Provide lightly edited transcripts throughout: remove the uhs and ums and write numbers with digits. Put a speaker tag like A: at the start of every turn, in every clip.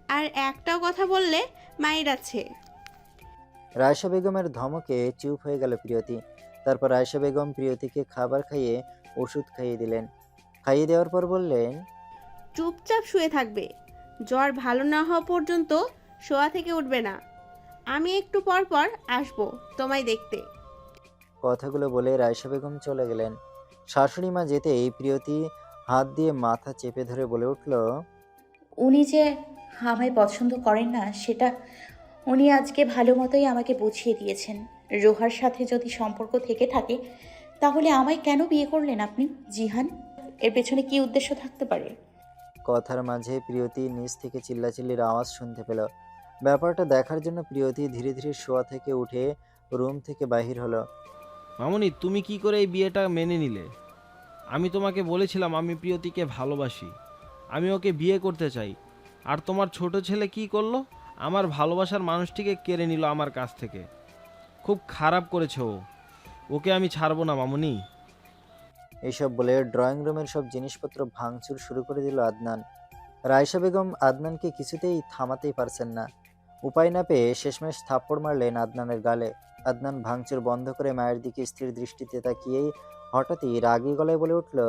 A: আর একটাও কথা বললে মায়ের আছে।
B: রায়শা বেগমের ধমকে চুপ হয়ে গেল প্রিয়তি। তারপর রায়শা বেগম প্রিয়তিকে খাবার খাইয়ে ওষুধ খাইয়ে দিলেন। খাইয়ে দেওয়ার পর বললেন,
A: চুপচাপ শুয়ে থাকবে। জ্বর ভালো না হওয়া পর্যন্ত শোয়া থেকে উঠবে না। আমি একটু পর পর আসবো তোমায় দেখতে।
B: কথাগুলো বলে রায়শা বেগম চলে গেলেন। শাশুড়ি মা যেতেই প্রিয়তি হাত দিয়ে মাথা চেপে ধরে বলে উঠল,
C: উনি যে আমায় পছন্দ করেন না সেটা উনি আজকে ভালো মতোই আমাকে বুঝিয়ে দিয়েছেন। রোহার সাথে যদি সম্পর্ক থেকে থাকে তাহলে আমায় কেন বিয়ে করলেন আপনি জিহান? এর পেছনে কি উদ্দেশ্য থাকতে পারে?
B: কথার মাঝে প্রিয়তি নিচ থেকে চিল্লাচিল্লির আওয়াজ শুনতে পেল। ব্যাপারটা দেখার জন্য প্রিয়তি ধীরে ধীরে শোয়া থেকে উঠে রুম থেকে বাহির হলো।
D: মামুনি, তুমি কি করে এই বিয়েটা মেনে নিলে? আমি তোমাকে বলেছিলাম আমি প্রিয়তিকে ভালোবাসি, আমি ওকে বিয়ে করতে চাই। আর তোমার ছোট ছেলে কি করলো? আমার ভালোবাসার মানুষটিকে কেড়ে নিল আমার কাছ থেকে। খুব খারাপ করেছে ও। ওকে আমি ছাড়বো না মামুনি।
B: এইসব বলে ড্রয়িং রুমের সব জিনিসপত্র ভাঙচুর শুরু করে দিল আদনান। রায়শা বেগম আদনানকে কিছুতেই থামাতেই পারছেন না। উপায় না পেয়ে শেষমেশ থাপ্পড় মারলেন আদনানের গালে। আদনান ভাঙচুর বন্ধ করে মায়ের দিকে স্থির দৃষ্টিতে তাকিয়েই হঠাৎই রাগী গলায় বলে উঠল,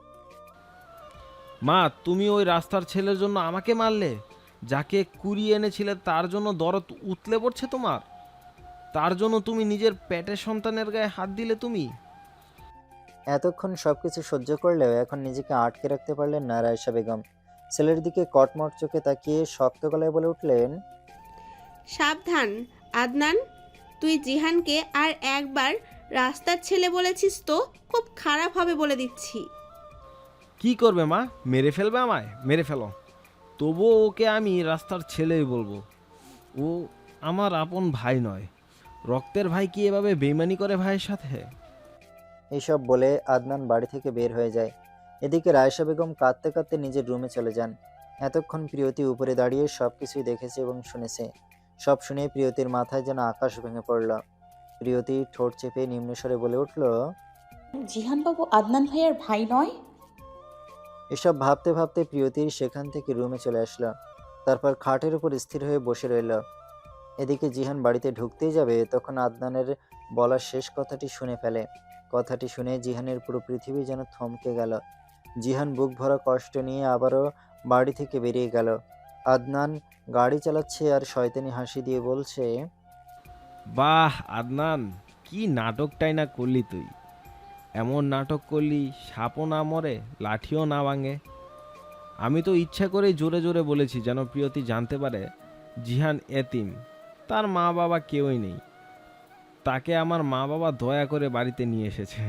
D: মা, তুমি ওই রাস্তার ছেলের জন্য আমাকে মারলে? যাকে কুড়িয়ে এনেছিলে তার জন্য দরদ উতলে পড়ছে তোমার? তার জন্য তুমি নিজের পেটের সন্তানের গায়ে হাত দিলে তুমি?
B: এতক্ষণ সবকিছু সহ্য করলেও এখন নিজেকে আটকে রাখতে পারলেন না রায়শা বেগম। ছেলের দিকে কটমট চোখে তাকিয়ে শক্ত গলায় বলে উঠলেন,
A: সাবধান আদনান, তুই জিহানকে আর একবার রাস্তার ছেলে বলেছিস তো খুব খারাপ হবে বলে দিচ্ছি।
D: কি করবে মা? মেরে ফেলবে আমায়? মেরে ফেলো, তবুও ওকে আমি রাস্তার ছেলেই বলবো। ও আমার আপন ভাই নয়। রক্তের ভাই কি এভাবে বেইমানি করে ভাইয়ের সাথে?
B: এইসব বলে আদনান বাড়ি থেকে বের হয়ে যায়। এদিকে রায়শা বেগম কাঁদতে কাঁদতে নিজের রুমে চলে যান। এতক্ষণ প্রিয়তি উপরে দাঁড়িয়ে সবকিছুই দেখেছে এবং শুনেছে। সব শুনে প্রিয়তির মাথায় যেন আকাশ ভেঙে পড়ল। প্রিয়তি ঠোঁট চেপে নিম্নস্বরে বলে উঠল,
C: জিহানবাবু আদনান ভাইয়ার ভাই নয়?
B: এসব ভাবতে ভাবতে প্রিয়তির সেখান থেকে রুমে চলে আসলো। তারপর খাটের উপর স্থির হয়ে বসে রইল। এদিকে জিহান বাড়িতে ঢুকতেই যাবে তখন আদনানের বলা শেষ কথাটি শুনে ফেলে। কথাটি শুনে জিহানের পুরো পৃথিবী যেন থমকে গেল। জিহান বুক ভরা কষ্ট নিয়ে আবারও বাড়ি থেকে বেরিয়ে গেল। আদনান গাড়ি চালাচ্ছে আর শয়তানি হাসি দিয়ে বলছে,
D: বাহ আদনান, কি নাটকটাই না করলি তুই! এমন নাটক করলি সাপও না মরে, লাঠিও না ভাঙে। আমি তো ইচ্ছা করেই জোরে জোরে বলেছি যেন প্রিয়তি জানতে পারে জিহান এতিম, তার মা বাবা কেউই নেই। তাকে আমার মা বাবা দয়া করে বাড়িতে নিয়ে এসেছে।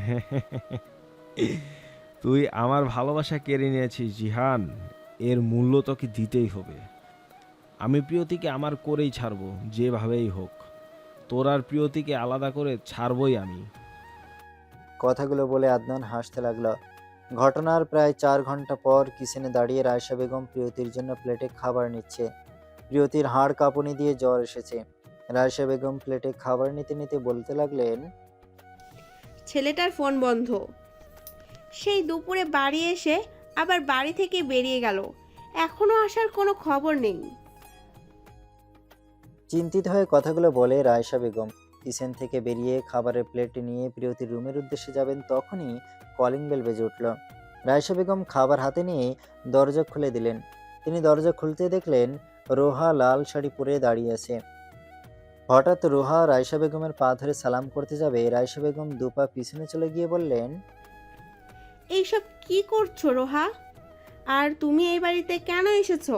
D: তুই আমার ভালোবাসা কেড়ে নিয়েছিস জিহান, এর মূল্য তোকে দিতেই হবে। আমি প্রিয়তিকে আমার করেই ছাড়বো, যেভাবেই হোক। তোর আর প্রিয়তিকে আলাদা করে ছাড়বই আমি।
B: কথাগুলো বলে আদনান হাসতে লাগলো। ঘটনার প্রায় 4 ঘন্টা পর কিচেনে দাঁড়িয়ে রায়শা বেগম প্রিয়তির জন্য প্লেটে খাবার নিচ্ছে। প্রিয়তির হাড় কাঁপুনি দিয়ে জ্বর এসেছে। রায়শা বেগম প্লেটে খাবার নিতে নিতে বলতে লাগলেন,
A: ছেলেটার ফোন বন্ধ। সেই দুপুরে বাড়ি এসে আবার বাড়ি থেকে বেরিয়ে গেল। এখনো আসার কোনো খবর নেই।
B: চিন্তিত হয়ে কথাগুলো বলে রায়শা বেগম কিচেন থেকে বেরিয়ে খাবারের প্লেট নিয়ে প্রিয়তির রুমের উদ্দেশ্যে যাবেন তখনই কলিং বেল বেজে উঠল। রায়শা বেগম খাবার হাতে নিয়ে দরজা খুলে দিলেন। তিনি দরজা খুলতে দেখলেন রোহা লাল শাড়ি পরে দাঁড়িয়ে আছে। হঠাৎ রোহা রায়শা বেগমের পা ধরে সালাম করতে যাবে রায়শা বেগম দুপা পিছনে চলে গিয়ে বললেন,
A: এইসব কি করছো রোহা? আর তুমি এই বাড়িতে কেন এসেছো?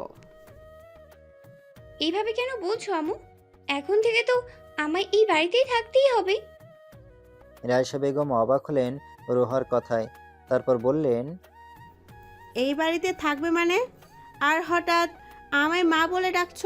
E: এইভাবে কেন বলছো আমু? এখন থেকে তো আমায় এই বাড়িতেই থাকতেই হবে।
B: রায়শা বেগম অবাক হলেন রোহার কথায়। তারপর বললেন,
A: এই বাড়িতে থাকবে মানে? আর হঠাৎ আমায় মা বলে ডাকছো?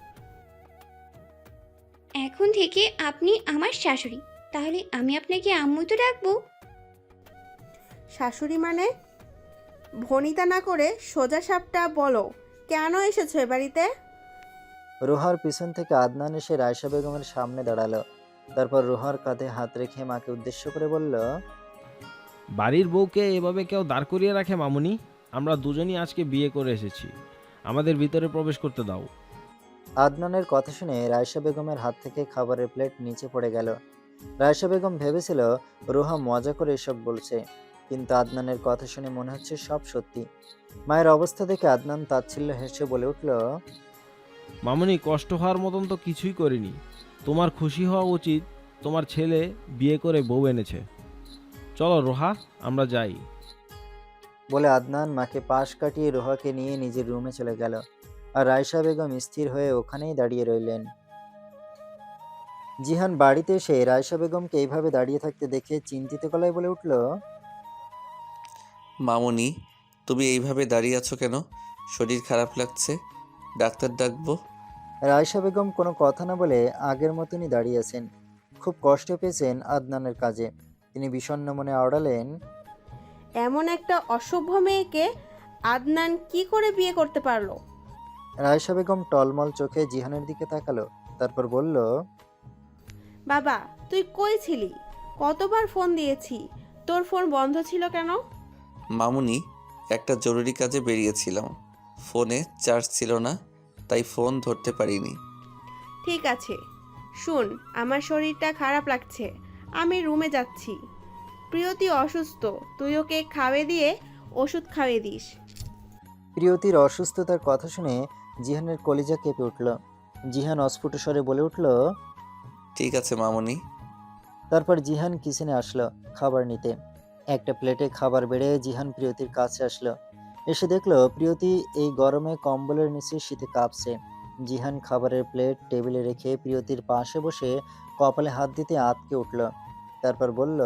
E: এখন থেকে আপনি আমার শাশুড়ি, তাহলে আমি আপনাকে আম্মুই তো ডাকবো।
A: শাশুড়ি মানে? ভনিতা না করে সোজা সাপটা বলো, কেন এসেছো এ বাড়িতে?
B: রোহার পিছন থেকে আদনান এসে রায়শা বেগমের সামনে দাঁড়ালো। তারপর রোহার কাঁধে হাত রেখে মাকে উদ্দেশ্য করে বলল,
D: বাড়ির বউকে এভাবে কেউ দাঁড় করিয়ে রাখে মামুনি? আমরা দুজনই আজকে বিয়ে করে এসেছি, আমাদের ভিতরে প্রবেশ করতে দাও।
B: আদনানের কথা শুনে রায়শা বেগমের হাত থেকে খাবারের প্লেট নিচে পড়ে গেল। রায়শা বেগম ভেবেছিল রোহা মজা করে এসব বলছে, কিন্তু আদনানের কথা শুনে মনে হচ্ছে সব সত্যি। মায়ের অবস্থা দেখে আদনান তাচ্ছিল্য হেসে বলে উঠল,
D: মামুনি, কষ্ট হওয়ার মতন তো কিছুই করিনি। তোমার খুশি হওয়া উচিত, তোমার ছেলে বিয়ে করে বউ এনেছে। চলো রোহা, আমরা যাই।
B: বলে আদনান মাকে পাশ কাটিয়ে রোহাকে নিয়ে নিজের রুমে চলে গেল। আর রায়শা বেগম স্থির হয়ে ওখানেই দাঁড়িয়ে রইলেন। জিহান বাড়িতে এসে রায়শা বেগমকে এইভাবে দাঁড়িয়ে থাকতে দেখে চিন্তিত গলায় বলে উঠল,
F: মামুনি, তুমি এইভাবে দাঁড়িয়ে আছো কেন? শরীর খারাপ লাগছে? ডাক্তার ডাকবো?
B: রায়শা বেগম কোনো কথা না বলে আগের মতনই দাঁড়িয়ে আছেন। খুব কষ্ট পেয়েছেন আদনানের কাজে। তিনি বিষণ্ণ মনে আওড়ালেন,
A: এমন একটা অসভ্য মেয়েকে আদনান কি করে বিয়ে করতে পারলো?
B: রায়শা বেগম টলমল চোখে জিহানের দিকে তাকালো, তারপর বলল,
A: বাবা, তুই কই ছিলি? কতবার ফোন দিয়েছি, তোর ফোন বন্ধ ছিল কেন?
F: মামুনি, একটা জরুরি কাজে বেরিয়েছিলাম। ফোনে চার্জ ছিল না, তাই ফোন ধরতে পারিনি।
A: ঠিক আছে, শুন, আমার শরীরটা খারাপ লাগছে, আমি রুমে যাচ্ছি। প্রিয়তি অসুস্থ, তুই ওকে খাওয়িয়ে দিয়ে ওষুধ খাওয়িয়ে দিস।
B: প্রিয়তির অসুস্থতার কথা শুনে জিহানের কলিজা কেঁপে উঠল। জিহান অস্ফুট স্বরে বলে উঠল,
F: ঠিক আছে মামুনি।
B: তারপর জিহান কিচেনে আসলো খাবার নিতে। একটা প্লেটে খাবার বেড়ে জিহান প্রিয়তির কাছে আসলো। এসে দেখলো প্রিয়তি এই গরমে কম্বলের নিচে শীতে কাঁপছে। জিহান খাবারের প্লেট টেবিলে রেখে প্রিয়তির পাশে বসে কপালে হাত দিতে আঁতকে উঠল। তারপর বলল,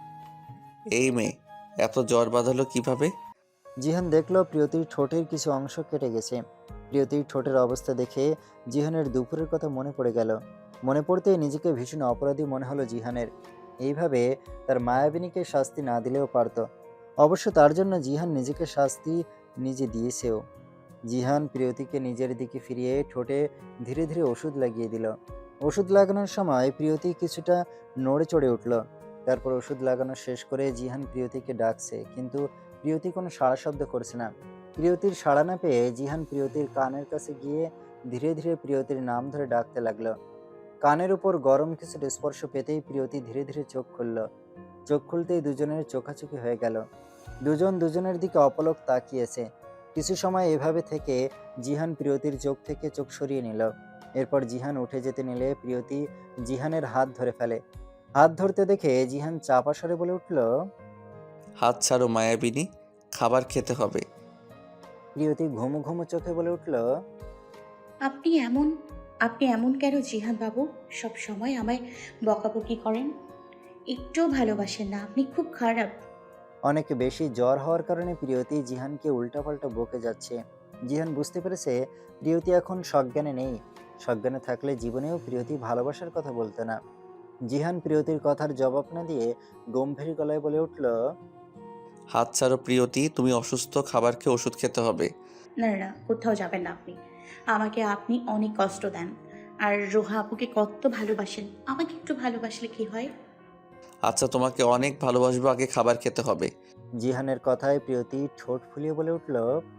F: এই মেয়ে, এত জ্বর বাঁধালো কিভাবে?
B: জিহান দেখলো প্রিয়তির ঠোঁটের কিছু অংশ কেটে গেছে। প্রিয়তির ঠোঁটের অবস্থা দেখে জিহানের দুপুরের কথা মনে পড়ে গেল। মনে পড়তেই নিজেকে ভীষণ অপরাধী মনে হলো জিহানের। এইভাবে তার মায়াবিনীকে শাস্তি না দিলেও পারত। অবশ্য তার জন্য জিহান নিজেকে শাস্তি নিজে দিয়েছেও। জিহান প্রিয়তিকে নিজের দিকে ফিরিয়ে ঠোঁটে ধীরে ধীরে ওষুধ লাগিয়ে দিল। ওষুধ লাগানোর সময় প্রিয়তি কিছুটা নড়ে চড়ে উঠল। তারপর ওষুধ লাগানো শেষ করে জিহান প্রিয়তিকে ডাকছে, কিন্তু প্রিয়তি কোনো সাড়া শব্দ করছে না। প্রিয়তির সাড়া না পেয়ে জিহান প্রিয়তির কানের কাছে গিয়ে ধীরে ধীরে প্রিয়তির নাম ধরে ডাকতে লাগলো। কানের উপর গরম কিছুর স্পর্শ পেতেই প্রিয়তি ধীরে ধীরে চোখ খুলল। চোখ খুলতেই দুজনের চোখাচোখি হয়ে গেল। দুজন দুজনের দিকে অপলক তাকিয়েছে। কিছু সময় এভাবে থেকে জিহান প্রিয়তির চোখ থেকে চোখ সরিয়ে নিল। এরপর জিহান উঠে যেতে নিলে প্রিয়তি জিহানের হাত ধরে ফেলে। হাত ধরতে দেখে জিহান চাপা স্বরে বলে উঠল,
F: হাত ছাড়ো মায়াবিনী, খাবার খেতে হবে।
B: প্রিয়তি ঘুমু ঘুমু চোখে বলে উঠল,
C: আপনি এমন আপনি এমন কেন জিহান বাবু? সব সময় আমায় বকাবকি করেন, একটুও ভালোবাসেন না, আপনি খুব খারাপ।
B: অনেক বেশি জ্বর হওয়ার কারণে প্রিয়তি জিহানকে উল্টাপাল্টা বকে যাচ্ছে। জিহান বুঝতে পেরেছে প্রিয়তি এখন সজ্ঞানে নেই। সজ্ঞানে থাকলে জীবনেও প্রিয়তি ভালোবাসার কথা বলতো না। জিহান প্রিয়তির কথার জবাব না দিয়ে গম্ভীর গলায় বলে উঠল,
F: হাত ছাড়ো প্রিয়তি, তুমি অসুস্থ, খাবার খেয়ে ওষুধ খেতে হবে।
C: না না, কোথাও যাবেন না আপনি। আমাকে আপনি অনেক কষ্ট দেন। আর রোহা আপুকে কত ভালোবাসেন, আমাকে একটু ভালোবাসলে কি হয়?
F: আচ্ছা, তোমাকে অনেক ভালোবাসবো, আগে খাবার খেতে হবে।
B: জিহানের কথায় প্রিয়তি ঠোঁট ফুলিয়ে বলে উঠল,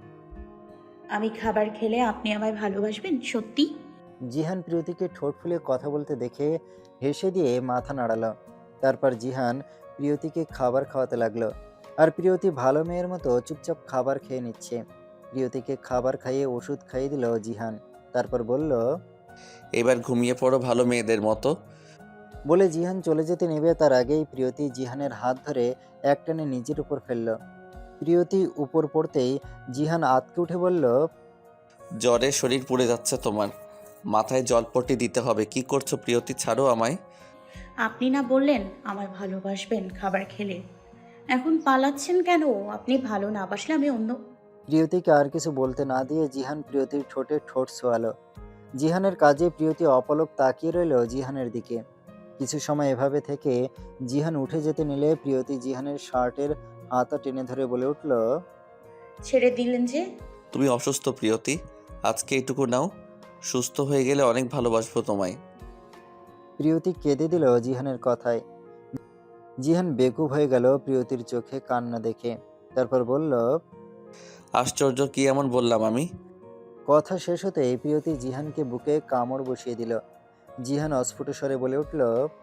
C: আমি খাবার খেলে আপনি আমায় ভালোবাসবেন সত্যি?
B: জিহান প্রিয়তিকে ঠোঁট ফুলিয়ে কথা বলতে দেখে হেসে দিয়ে মাথা নাড়ালো। তারপর জিহান প্রিয়তিকে খাবার খাওয়াতে লাগলো। আর প্রিয়তি ভালো মেয়ের মতো চুপচাপ খাবার খেয়ে নিচ্ছে। প্রিয়তিকে খাবার খাইয়ে ওষুধ খাইয়ে দিল জিহান। তারপর বলল,
F: এবার ঘুমিয়ে পড়ো ভালো মেয়েদের মতো।
B: বলে জিহান চলে যেতে নেবে তার আগেই প্রিয়তি জিহানের হাত ধরে একটানে নিজের উপর ফেলল। প্রিয়তি উপর পড়তেই জিহান আঁতকে উঠে বলল,
F: জ্বরে শরীর পুড়ে যাচ্ছে তোমার, মাথায় জলপট্টি দিতে হবে। কি করছো প্রিয়তি, ছাড়ো আমায়।
C: আপনি না বললেন আমায় ভালোবাসবেন খাবার খেলে? এখন পালাচ্ছেন কেন? আপনি ভালো না বাসলে আমি অন্য।
B: প্রিয়তিকে আর কিছু বলতে না দিয়ে জিহান প্রিয়তির ঠোঁটে ঠোঁট ছোয়ালো। জিহানের কাজে প্রিয়তি অপলক তাকিয়ে রইল জিহানের দিকে। কিছু সময় এভাবে থেকে জিহান উঠে যেতে নিলে প্রিয়তি জিহানের শার্টের হাতা টেনে ধরে বলে উঠল,
C: ছেড়ে দিলেন যে?
F: তুমি অসুস্থ প্রিয়তি, আজকে এইটুকু নাও, সুস্থ হয়ে গেলে অনেক ভালোবাসবো তোমায়।
B: প্রিয়তি কেঁদে দিল জিহানের কথায়। জিহান বেকুব হয়ে গেল প্রিয়তির চোখে কান্না দেখে। তারপর বলল,
F: আশ্চর্য, কি এমন বললাম আমি?
B: কথা শেষ হতেই প্রিয়তি জিহানকে বুকে কামড় বসিয়ে দিল। জিহান অস্ফুট স্বরে বলে উঠল,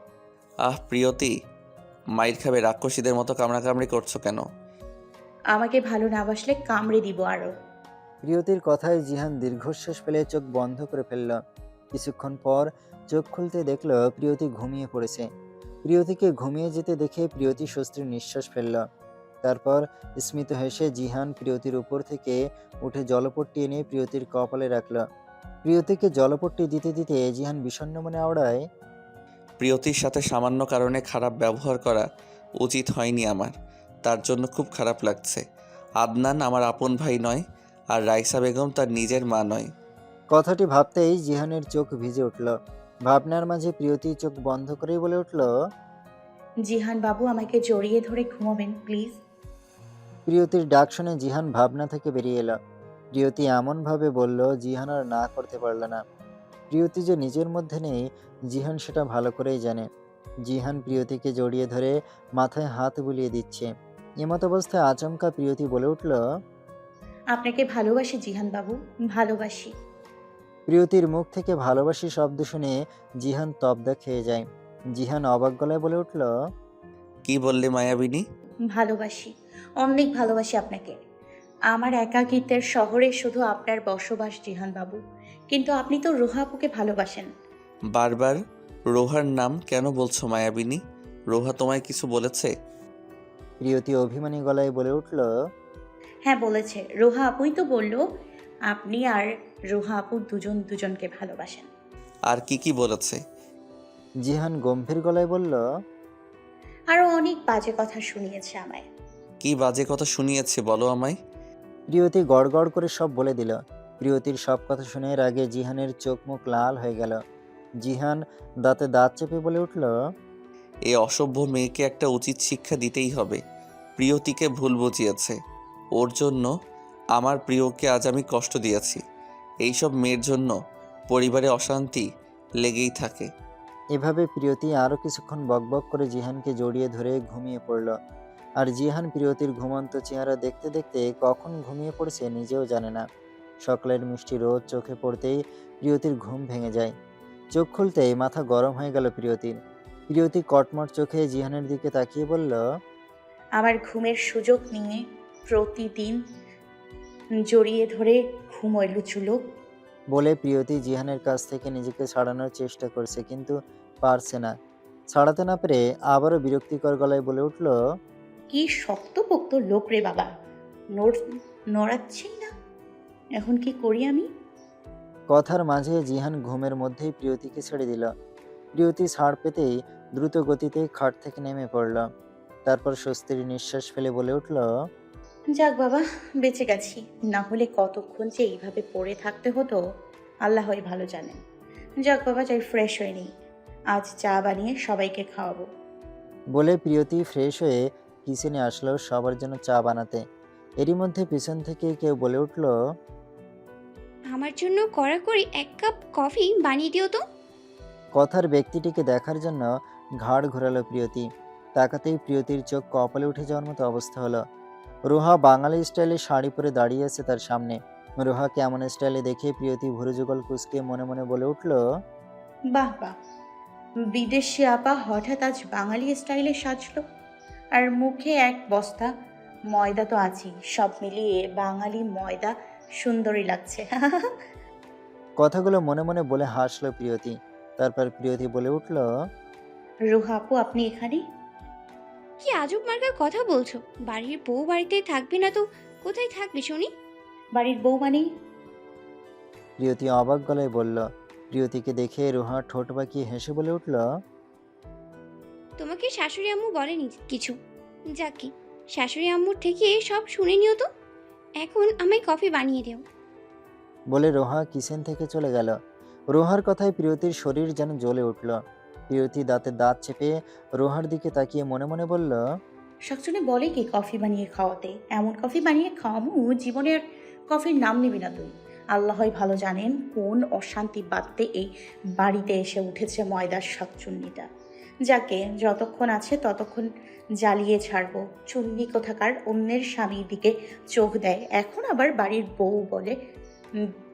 F: আহ প্রিয়তি, মাইর খাবে, রাক্ষসীদের মতো কামড়াকামড়ি করছো কেন?
C: আমাকে ভালো না বাসলে কামড়ে দিব আরো।
B: প্রিয়তির কথায় জিহান দীর্ঘশ্বাস ফেলে চোখ বন্ধ করে ফেলল। কিছুক্ষণ পর চোখ খুলতে দেখল প্রিয়তি ঘুমিয়ে পড়েছে। প্রিয়তিকে ঘুমিয়ে যেতে দেখে প্রিয়তি স্বস্তির নিঃশ্বাস ফেলল। তারপর স্মিত হেসে জিহান প্রিয়তির উপর থেকে উঠে জলপট্টি এনে প্রিয়তির কপালে রাখল। প্রিয়তিকে জলপট্টি দিতে দিতে জিহান বিষণ্ণ মনে আওড়ায়,
F: প্রিয়তির সাথে সামান্য কারণে খারাপ ব্যবহার করা উচিত হয়নি আমার, তার জন্য খুব খারাপ লাগছে। আদনান আমার আপন ভাই নয়, আর রাইসা বেগম তার নিজের মা নয়।
B: কথাটি ভাবতেই জিহানের চোখ ভিজে উঠল। ভাবনার মাঝে প্রিয়তি চোখ বন্ধ করেই বলে উঠল,
C: জিহান বাবু আমাকে জড়িয়ে ধরে ঘুমাবেন প্লিজ।
B: প্রিয়তির ডাক শুনে জিহান ভাবনা থেকে বেরিয়ে এলো। প্রিয়তি এমনভাবে বলল, জিহান আর না করতে পারল না। প্রিয়তি যে নিজের মধ্যে নেই, জিহান সেটা ভালো করেই জানে। জিহান প্রিয়তিকে জড়িয়ে ধরে মাথায় হাত বুলিয়ে দিচ্ছে। এমত অবস্থায় আচমকা প্রিয়তি বলে উঠল,
C: আপনাকে ভালোবাসি জিহান বাবু, ভালোবাসি।
B: প্রিয়তির মুখ থেকে ভালোবাসি শব্দ শুনে জিহান তবদা খেয়ে যায়। জিহান অবাক গলায় বলে উঠল,
F: কি বললে মায়াবিনী?
C: ভালোবাসি, অনেক ভালোবাসি আপনাকে। আমার একাকিত্বের শহরে শুধু আপনার বসবাস জিহান বাবু, কিন্তু আপনি তো রোহা আপুকে ভালোবাসেন।
F: বারবার রোহার নাম কেন বলছো মায়াবিনী? রোহা তোমায় কিছু বলেছে?
B: প্রিয়তি অভিমানী গলায় বলে উঠল,
C: হ্যাঁ বলেছে, রোহা আপুই তো বলল আপনি আর রোহা আপু দুজন দুজনকে ভালোবাসেন।
F: আর কি কি বলেছে?
B: জিহান গম্ভীর গলায় বলল,
C: আরও অনেক বাজে কথা শুনিয়েছে আমায়।
F: কি বাজে কথা শুনিয়েছে বলো আমায়।
B: প্রিয়তি গড় গড় করে সব বলে দিল। প্রিয়তির সব কথা শুনে এর আগে জিহানের চোখ মুখ লাল হয়ে গেল। জিহান দাঁতে দাঁত চেপে বলে উঠল,
F: এই অসভ্য মেয়েকে একটা উচিত শিক্ষা দিতেই হবে। প্রিয়তিকে ভুল বুঝিয়েছে, ওর জন্য আমার প্রিয়কে আজ আমি কষ্ট দিয়েছি। এইসব মেয়ের জন্য পরিবারে অশান্তি লেগেই থাকে।
B: এভাবে প্রিয়তি আরও কিছুক্ষণ বকবক করে জিহানকে জড়িয়ে ধরে ঘুমিয়ে পড়ল। আর জিহান প্রিয়তির ঘুমন্ত চেহারা দেখতে দেখতে কখন ঘুমিয়ে পড়েছে নিজেও জানে না। সকালের মিষ্টি রোদ চোখে পড়তেই প্রিয়তির ঘুম ভেঙে যায়। চোখ খুলতেই মাথা গরম হয়ে গেল প্রিয়তির। প্রিয়তি কটমট চোখে জিহানের দিকে তাকিয়ে বলল,
C: আমার ঘুমের সুযোগ নিয়ে প্রতিদিন জড়িয়ে ধরে ঘুমোয় লুচুলো।
B: বলে প্রিয়তি জিহানের কাছ থেকে নিজেকে ছাড়ানোর চেষ্টা করছে, কিন্তু পারছে না। ছাড়াতে না পেরে আবারও বিরক্তিকর গলায় বলে উঠল,
C: কি শক্তপোক্ত লোক রে বাবা, নড়াচ্ছেই না। এখন কি করি আমি?
B: কথার মাঝে জিহান ঘুমের মধ্যেই প্রিয়তিকে ছেড়ে দিল। প্রিয়তি ছাড় পেতেই দ্রুত গতিতে খাট থেকে নেমে পড়ল। তারপর স্বস্তির নিঃশ্বাস ফেলে বলে উঠল,
C: যাক বাবা, বেঁচে গেছি, না হলে কতক্ষণ যে এইভাবে পড়ে থাকতে হতো আল্লাহই ভালো জানেন। যাক বাবা, যাই ফ্রেশ হয়ে নিই, আজ চা বানিয়ে সবাইকে খাওয়াবো।
B: বলে প্রিয়তি ফ্রেশ হয়ে কিচেনে আসলো সবার জন্য চা বানাতে। এরই মধ্যে পিছন থেকে কেউ বলে উঠল,
E: আমার জন্য কড়াকড়ি 1 কাপ কফি বানিয়ে দিও তো।
B: কথার ব্যক্তিটিকে দেখার জন্য ঘাড় ঘোরালো প্রিয়তি। তাকাতেই প্রিয়তির চোখ কপালে উঠে যাওয়ার মতো অবস্থা হলো। রোহা বাঙালি স্টাইলে শাড়ি পরে দাঁড়িয়ে আছে তার সামনে। রোহাকে এমন স্টাইলে দেখে প্রিয়তি ভুরুযুগল কুঁচকে মনে মনে বলে উঠল,
C: বাহ বাহ, বিদেশি আপা হঠাৎ আজ বাঙালি স্টাইলে সাজলো, আর মুখে এক বস্তা ময়দা তো আছেই, সব মিলিয়ে বাঙালি ময়দা সুন্দরী লাগছে।
B: কথাগুলো মনে মনে বলে হাসলো প্রিয়তি। তারপর প্রিয়তি বলে উঠল,
C: রোহা আপু আপনি এখানে?
E: কি আজব মার্কার কথা বলছো? বাড়ির বউ বাড়িতেই থাকবে না তো কোথায় থাকবে শুনি?
C: বাড়ির বউ মানে?
B: প্রিয়তি অবাক গলায় বলল। প্রিয়তিকে দেখে রোহা ঠোঁট বাঁকিয়ে হেসে বলে উঠল,
E: তোমাকে শাশুড়ি আম্মু বলেনি কিছু? যাকি, শাশুড়ি আম্মুর থেকে সব শুনে নিও তো। এখন আমায় কফি বানিয়ে দিও।
B: বলে রোহা কিচেন থেকে চলে গেল। রোহার কথায় প্রিয়তির শরীর যেন জ্বলে উঠল। প্রিয়তি দাঁতে দাঁত চেপে রোহার দিকে তাকিয়ে মনে মনে বলল,
C: শাকচুনি বলে কি কফি বানিয়ে খাওয়াতে? এমন কফি বানিয়ে খাওয়ামু জীবনে আর কফির নাম নিবি না তুই। আল্লাহই ভালো জানেন কোন অশান্তি বাদতে এই বাড়িতে এসে উঠেছে ময়দার শাকচুন্নিটা। যাকে যতক্ষণ আছে ততক্ষণ জ্বালিয়ে ছাড়বো। চুন্নি কোথাকার অন্যের স্বামীর দিকে চোখ দেয়, এখন আবার বাড়ির বউ বলে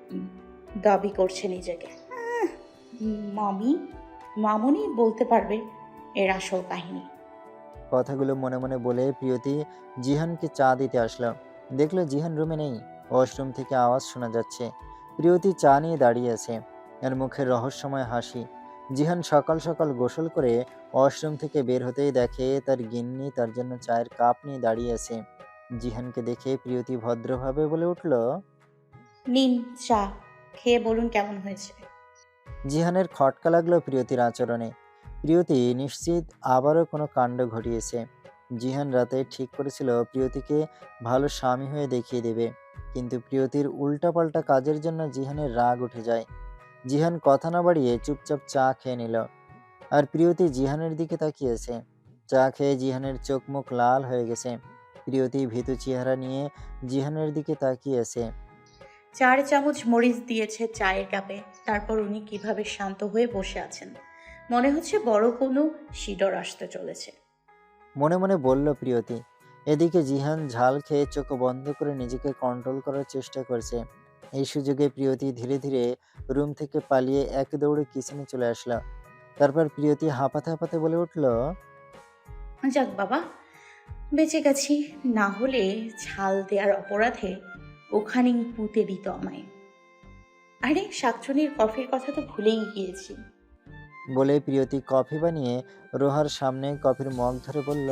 C: দাবি করছে নিজেকে। মামি মামুনি বলতে পারবে এর আসল কাহিনী।
B: কথাগুলো মনে মনে বলে প্রিয়তি জিহানকে চা দিতে আসলো। দেখলো জিহান রুমে নেই। ওয়াশরুম থেকে আওয়াজ শোনা যাচ্ছে। প্রিয়তি চা নিয়ে দাঁড়িয়ে আছে, এর মুখে রহস্যময় হাসি। জিহান সকাল সকাল গোসল করে ওয়াশরুম থেকে বের হতেই দেখে তার গিন্নি তার জন্য চায়ের কাপ নিয়ে দাঁড়িয়ে আছে। জিহানকে দেখে প্রিয়তি ভদ্রভাবে বলে উঠল,
C: নিন চা, খেয়ে বলুন কেমন হয়েছে।
B: জিহানের খটকা লাগলো প্রিয়তির আচরণে। প্রিয়তি নিশ্চিত আবারও কোনো কাণ্ড ঘটিয়েছে। জিহান রাতে ঠিক করেছিল প্রিয়তিকে ভালো স্বামী হয়ে দেখিয়ে দেবে, কিন্তু প্রিয়তির উল্টাপাল্টা কাজের জন্য জিহানের রাগ উঠে যায়। জিহান কথা না বাড়িয়ে চুপচাপ চা খেয়ে নিল, আর প্রিয়তি জিহানের দিকে তাকিয়েছে। চা খেয়ে জিহানের চোখ মুখ লাল হয়ে গেছে। প্রিয়তি ভীতু চেহারা নিয়ে জিহানের দিকে তাকিয়েছে।
C: 4 চামচ মরিচ দিয়েছে চায়ের কাপে, তারপর উনি কিভাবে শান্ত হয়ে বসে আছেন, মনে হচ্ছে বড় কোনো শিডর আসতে চলেছে।
B: মনে মনে বলল প্রিয়তি। এদিকে জিহান ঝাল খেয়ে চোখ বন্ধ করে নিজেকে কন্ট্রোল করার চেষ্টা করছে। এই সুযোগে প্রিয়তি ধীরে ধীরে রুম থেকে পালিয়ে এক দৌড়ে কিচেনে চলে আসলো। তারপর প্রিয়তি হাঁপাতে হাঁপাতে বলে উঠল,
C: যাক বাবা, বেঁচে গেছি, না হলে ঝাল দেওয়ার অপরাধে ওখানেই পুঁতে দিত আমায়। আরে শাকচুনির কফির কথা তো ভুলেই গিয়েছি।
B: বলে প্রিয়তি কফি বানিয়ে রোহার সামনে কফির মগ ধরে বলল।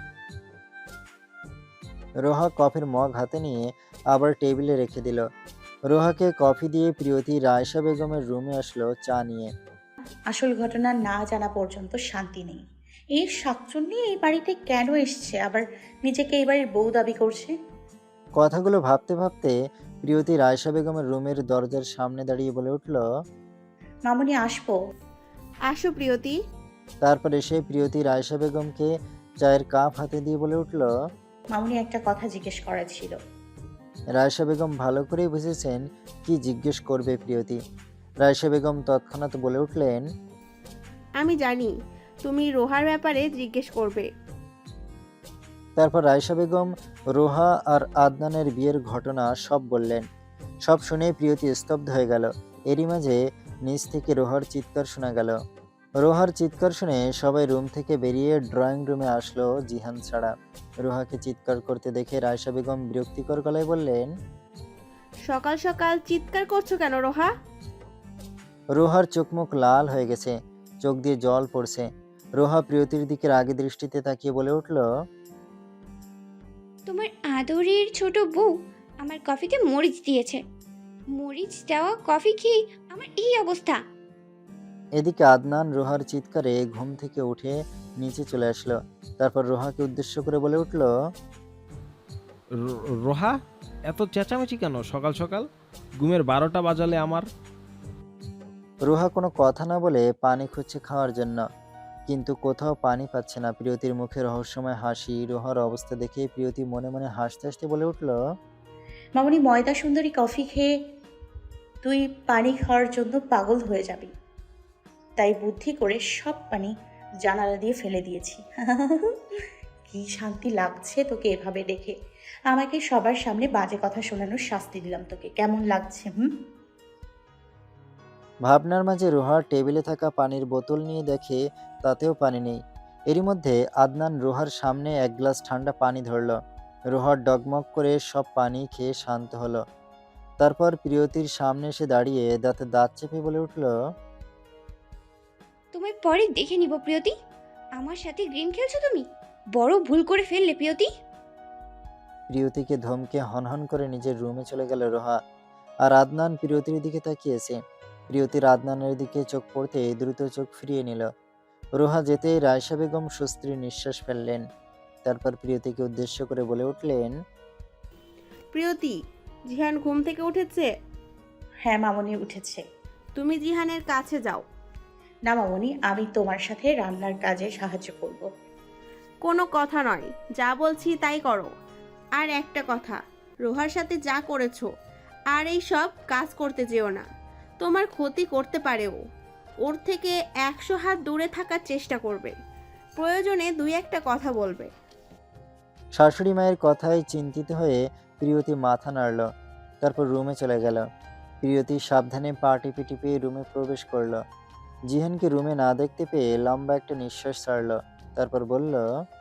B: রোহা কফির মগ হাতে নিয়ে আবার টেবিলে রেখে দিল। রোহাকে কফি দিয়ে প্রিয়তি রায়শা বেগমের রুমে আসলো চা নিয়ে।
C: আসল ঘটনা না জানা পর্যন্ত শান্তি নেই। এই শাকচুন্নি এই বাড়িতে কেন এসছে, আবার নিজেকে এই বাড়ির বউ দাবি করছে।
B: কথাগুলো ভাবতে ভাবতে প্রিয়তি রায়শা বেগমের রুমের দরজার সামনে দাঁড়িয়ে বলে উঠল।
C: মামুনি আসবো।
A: আসো প্রিয়তি।
B: তারপর এসে প্রিয়তি রায়শা বেগমকে চায়ের কাপ হাতে দিয়ে বলে উঠল।
C: মামুনি একটা কথা জিজ্ঞেস করার ছিল।
B: রায়শা বেগম ভালো করেই বুঝেছেন কি জিজ্ঞেস করবে প্রিয়তি। রায়শা বেগম তৎক্ষণাৎ বলে উঠলেন,
A: আমি জানি তুমি রোহার ব্যাপারে জিজ্ঞেস করবে।
B: তারপর রায়শা বেগম রোহা আর আদনানের বিয়ের ঘটনা সব বললেন। সব শুনে প্রিয়তি স্তব্ধ হয়ে গেল। এরই মাঝে নিচ থেকে রোহার চিৎকার শোনা গেল। রোহার চিৎকার শুনে সবাই রুম থেকে বেরিয়ে ড্রয়িং রুমে আসলো জিহান ছাড়া। রোহাকে চিৎকার করতে দেখে রায়শা বেগম বিরক্তিকর গলায় বললেন,
A: সকাল সকাল চিৎকার করছো কেন রোহা?
B: রোহার চোখ মুখ লাল হয়ে গেছে, চোখ দিয়ে জল পড়ছে। রোহা প্রিয়তির দিকে রাগী দৃষ্টিতে তাকিয়ে বলে উঠল,
E: তোমার আদরের ছোট বউ আমার কফিতে মরিচ দিয়েছে। মরিচ দেওয়া কফি খেয়ে আমার এই অবস্থা।
B: এদিকে আদনান রোহার চিৎকারে ঘুম থেকে উঠে নিচে চলে আসলো। তারপর রোহাকে উদ্দেশ্য করে বলে উঠল,
D: রোহা, এত চেঁচামেচি কেন সকাল সকাল? ঘুমের 12টা বাজালে আমার।
B: রোহা কোনো কথা না বলে পানি খুঁজছে খাওয়ার জন্য, কিন্তু কোথাও পানি পাচ্ছে না। প্রিয়তির মুখে রহস্যময় হাসি। রোহার অবস্থা দেখে প্রিয়তি মনে মনে হাসতে হাসতে বলে উঠল,
C: মামুনি ময়দা সুন্দরী কফি খেয়ে তুই পানি খাওয়ার জন্য পাগল হয়ে যাবি, তাই বুদ্ধি করে সব পানি জানালা দিয়ে ফেলে দিয়েছি। কি শান্তি লাগছে তোকে এভাবে দেখে। আমাকে সবার সামনে বাজে কথা শোনানোর শাস্তি দিলাম তোকে, কেমন লাগছে?
B: ভাবনার মাঝে রোহা টেবিলে থাকা পানির বোতল নিয়ে দেখে তাতেও পানি নেই। এরই মধ্যে আদনান রোহার সামনে এক গ্লাস ঠান্ডা পানি ধরল। রোহার ডগমগ করে সব পানি খেয়ে শান্ত হলো। তারপর প্রিয়তির সামনে এসে দাঁড়িয়ে দাঁতে দাঁত চেপে বলে উঠল,
E: তোমায় পরে দেখে নিব প্রিয়তি। আমার সাথে গেম খেলছো তুমি, বড় ভুল করে ফেললে প্রিয়তি।
B: প্রিয়তিকে ধমকে হনহন করে নিজের রুমে চলে গেল রোহা। আর আদনান প্রিয়তির দিকে তাকিয়েছে। প্রিয়তির আদনানের দিকে চোখ পড়তে দ্রুত চোখ ফিরিয়ে নিল। রোহা যেতেই রায়শা বেগম স্বস্তির নিঃশ্বাস ফেললেন। তারপর প্রিয়তিকে উদ্দেশ্য করে বলে উঠলেন,
A: প্রিয়তি, জিহান ঘুম থেকে উঠেছে?
C: হ্যাঁ মামুনি উঠেছে।
A: তুমি জিহানের কাছে যাও।
C: না মামুনি, আমি তোমার সাথে রান্নার কাজে সাহায্য করব।
A: কোনো কথা নয়, যা বলছি তাই করো। আর একটা কথা, রোহার সাথে যা করেছো আর এই সব কাজ করতে যেও না, তোমার ক্ষতি করতে পারেও। ওর থেকে 100 হাত দূরে থাকার চেষ্টা করবে, প্রয়োজনে 2-1টা কথা বলবে।
B: শাশুড়ি মায়ের কথায় চিন্তিত হয়ে প্রিয়তি মাথা নাড়ল। তারপর রুমে চলে গেল। প্রিয়তি সাবধানে পা টিপে টিপে রুমে প্রবেশ করলো। জিহানকে রুমে না দেখতে পেয়ে লম্বা একটা নিঃশ্বাস ছাড়ল। তারপর বলল,